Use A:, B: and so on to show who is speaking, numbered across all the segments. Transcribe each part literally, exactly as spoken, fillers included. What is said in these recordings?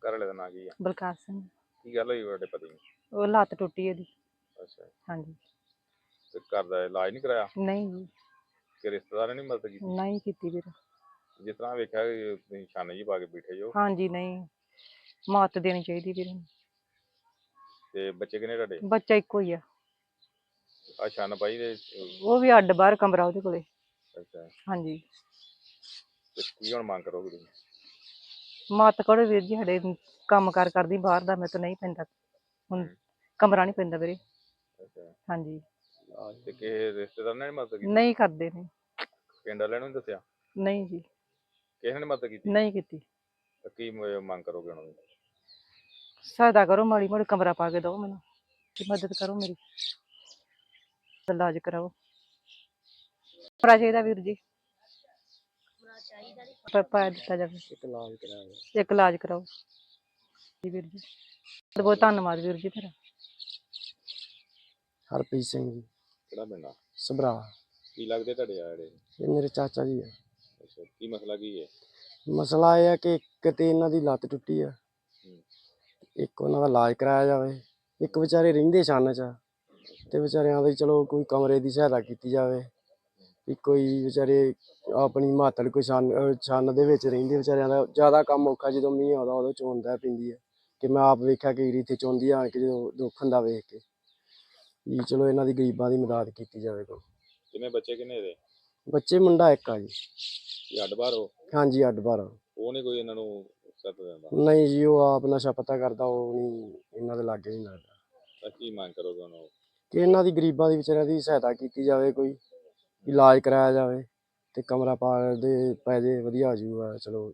A: ਘਰ ਵਾਲੇ ਦਾ ਨਾਂ ਕੀ ਆ?
B: ਬਲਕਾਰ ਸਿੰਘ।
A: ਕੀ ਗੱਲ ਹੋਈ ਤੁਹਾਡੇ ਪਤੀ ਨੂੰ?
B: ਉਹ ਲੱਤ ਟੁੱਟੀ ਉਹਦੀ।
A: ਅੱਛਾ,
B: ਹਾਂਜੀ।
A: ਤੇ ਘਰ ਦਾ ਇਲਾਜ ਨਹੀਂ ਕਰਾਇਆ?
B: ਨਹੀਂ ਜੀ,
A: ਕਿ ਰਿਸ਼ਤੇਦਾਰਾਂ ਨੇ ਮਦਦ ਕੀਤੀ?
B: ਨਹੀਂ ਕੀਤੀ ਵੀਰ।
A: ਜਿਸ ਤਰ੍ਹਾਂ ਵੇਖਿਆ ਕਿ ਤੁਸੀਂ ਛਾਨੇ ਜੀ ਪਾ ਕੇ ਬੈਠੇ ਜੋ,
B: ਹਾਂਜੀ, ਨਹੀਂ ਮੱਤ ਦੇਣੀ ਚਾਹੀਦੀ ਵੀਰ ਨੂੰ।
A: ਤੇ ਬੱਚੇ ਕਿੰਨੇ ਤੁਹਾਡੇ?
B: ਬੱਚਾ ਇੱਕੋ ਹੀ ਆ।
A: ਆ ਛੰਨ ਪਾਈ ਦੇ?
B: ਉਹ ਵੀ ਅੱਡ ਬਾਹਰ ਕਮਰਾ ਉਹਦੇ ਕੋਲੇ।
A: ਅੱਛਾ,
B: ਹਾਂਜੀ।
A: ਤੇ ਕੀ ਹੁਣ ਮੰਗ ਕਰੋਗੇ ਤੁਸੀਂ?
B: ਮੱਤ ਕਰੋ ਵੀਰ ਜੀ, ਸਾਡੇ ਕੰਮ ਕਾਰ ਕਰਦੀ ਬਾਹਰ ਦਾ, ਮੇਰੇ ਤੋਂ ਨਹੀਂ ਪੈਂਦਾ ਹੁਣ,
A: ਹੂੰ,
B: ਕਮਰਾ ਨਹੀਂ ਪੈਂਦਾ ਵੀਰੇ।
A: ਅੱਛਾ,
B: ਹਾਂਜੀ।
A: ਤੇ ਕਿਸੇ ਰਿਸ਼ਤੇਦਾਰ ਨੇ ਨੀ ਮਦਦ ਕੀਤੀ?
B: ਨਹੀਂ ਕਰਦੇ ਨੇ।
A: ਪਿੰਡ ਵਾਲਿਆਂ ਨੂੰ ਨੀ ਦੱਸਿਆ?
B: ਨਹੀਂ ਜੀ,
A: ਕਿਸੇ ਨੇ ਮਦਦ ਕੀਤੀ?
B: ਨਹੀਂ ਕੀਤੀ।
A: ਤਾਂ ਕੀ ਮ- ਮੰਗ ਕਰੋਗੇ ਉਹਨਾਂ ਦੀ?
B: ਸਹਾਇਤਾ ਕਰੋ, ਮਾੜੀ ਮੋੜੀ ਕਮਰਾ ਪਾ ਕੇ ਦਿਓ ਮੈਨੂੰ, ਤੇ ਮਦਦ ਕਰੋ ਮੇਰੀ, ਇਲਾਜ ਕਰਾਓ। ਕਮਰਾ ਚਾਹੀਦਾ ਵੀਰ ਜੀ, ਪਰ ਪਾ ਦਿੱਤਾ ਜਾਵੇ।
C: ਇੱਕ ਇਲਾਜ ਕਰਾਇਆ।
B: ਇੱਕ ਇਲਾਜ ਕਰਾਓ ਜੀ ਵੀਰ ਜੀ, ਬਹੁਤ ਬਹੁਤ ਧੰਨਵਾਦ ਵੀਰ ਜੀ ਤੇਰਾ।
C: ਹਰਪ੍ਰੀਤ ਸਿੰਘ ਜੀ,
A: ਕਿਹੜਾ ਪਿੰਡ ਆ?
C: ਸਭਰਾ।
A: ਕੀ ਲੱਗਦੇ ਤੁਹਾਡੇ ਆ ਜਿਹੜੇ?
C: ਇਹ ਮੇਰੇ ਚਾਚਾ ਜੀ ਆ।
A: ਅੱਛਾ, ਕੀ ਮਸਲਾ ਕੀ ਹੈ?
C: ਮਸਲਾ ਇਹ ਆ ਕਿ ਇੱਕ ਤੇ ਇਹਨਾਂ ਦੀ ਲੱਤ ਟੁੱਟੀ ਆ,
A: ਹੂੰ,
C: ਇੱਕ ਉਹਨਾਂ ਦਾ ਇਲਾਜ ਕਰਾਇਆ ਜਾਵੇ। ਇੱਕ ਵਿਚਾਰੇ ਰਹਿੰਦੇ ਛੰਨ 'ਚ, ਤੇ ਵਿਚਾਰਿਆਂ ਦੀ ਚਲੋ ਕੋਈ ਕਮਰੇ ਦੀ ਸਹਾਇਤਾ ਕੀਤੀ ਜਾਵੇ। ਵੀ ਕੋਈ ਵਿਚਾਰੇ ਆਪਣੀ ਮਾਤੜ ਕੋਈ ਛੰਨ ਅਹ ਛੰਨ ਦੇ ਵਿੱਚ ਰਹਿੰਦੇ, ਵਿਚਾਰਿਆਂ ਦਾ ਜ਼ਿਆਦਾ ਕੰਮ ਔਖਾ, ਜਦੋਂ ਮੀਂਹ ਆਉਂਦਾ ਉਦੋਂ ਚੋਂਦਾ ਪੈਂਦੀ ਹੈ। ਕਿ ਮੈਂ ਆਪ ਵੇਖਿਆ ਕਿ ਇੱਥੇ ਚੋਂਦੀ ਆਣ ਕੇ, ਜਦੋਂ ਦੁੱਖ ਹੁੰਦਾ ਵੇਖ ਕੇ, ਵੀ ਚਲੋ ਇਹਨਾਂ ਦੀ ਗਰੀਬਾਂ ਦੀ ਮਦਦ ਕੀਤੀ ਜਾਵੇ ਕੋਈ।
A: ਕਿੰਨੇ ਬੱਚੇ ਕਿੰਨੇ ਇਹਦੇ?
C: ਬੱਚੇ ਮੁੰਡਾ ਇੱਕ ਆ ਜੀ।
A: ਕੀ ਅੱਡ ਬਾਹਰ ਹੋ?
C: ਹਾਂਜੀ, ਅੱਡ ਬਾਹਰ।
A: ਉਹ ਨਹੀਂ ਕੋਈ ਇਹਨਾਂ ਨੂੰ ਸੱਤ ਦਿੰਦਾ?
C: ਨਹੀਂ ਜੀ, ਉਹ ਆਪ ਨਸ਼ਾ ਪਤਾ ਕਰਦਾ, ਉਹ ਨਹੀਂ ਇਹਨਾਂ ਦੇ ਲਾਗੇ ਨਹੀਂ ਲੱਗਦਾ।
A: ਤਾਂ ਕੀ ਮੰਗ ਕਰੋਗੇ ਉਹਨੂੰ? ਕਿ
C: ਕਿ ਇਹਨਾਂ ਦੀ ਗਰੀਬਾਂ ਦੀ ਵਿਚਾਰਿਆਂ ਦੀ ਸਹਾਇਤਾ ਕੀਤੀ ਜਾਵੇ, ਕੋਈ ਇਲਾਜ ਕਰਾਇਆ ਜਾਵੇ, ਤੇ ਕਮਰਾ ਪਾ ਦੇ ਪੈ ਜੇ, ਵਧੀਆ ਹੋ ਜਾਊਗਾ। ਚਲੋ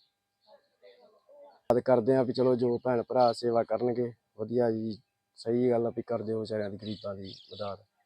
C: ਯਾਦ ਕਰਦੇ ਹਾਂ ਵੀ ਚਲੋ ਜੋ ਭੈਣ ਭਰਾ ਸੇਵਾ ਕਰਨਗੇ ਵਧੀਆ ਜੀ, ਸਹੀ ਗੱਲ ਆ ਵੀ ਕਰ ਦਿਓ ਵਿਚਾਰਿਆਂ ਦੀ ਗਰੀਬਾਂ ਦੀ ਮਦਦ।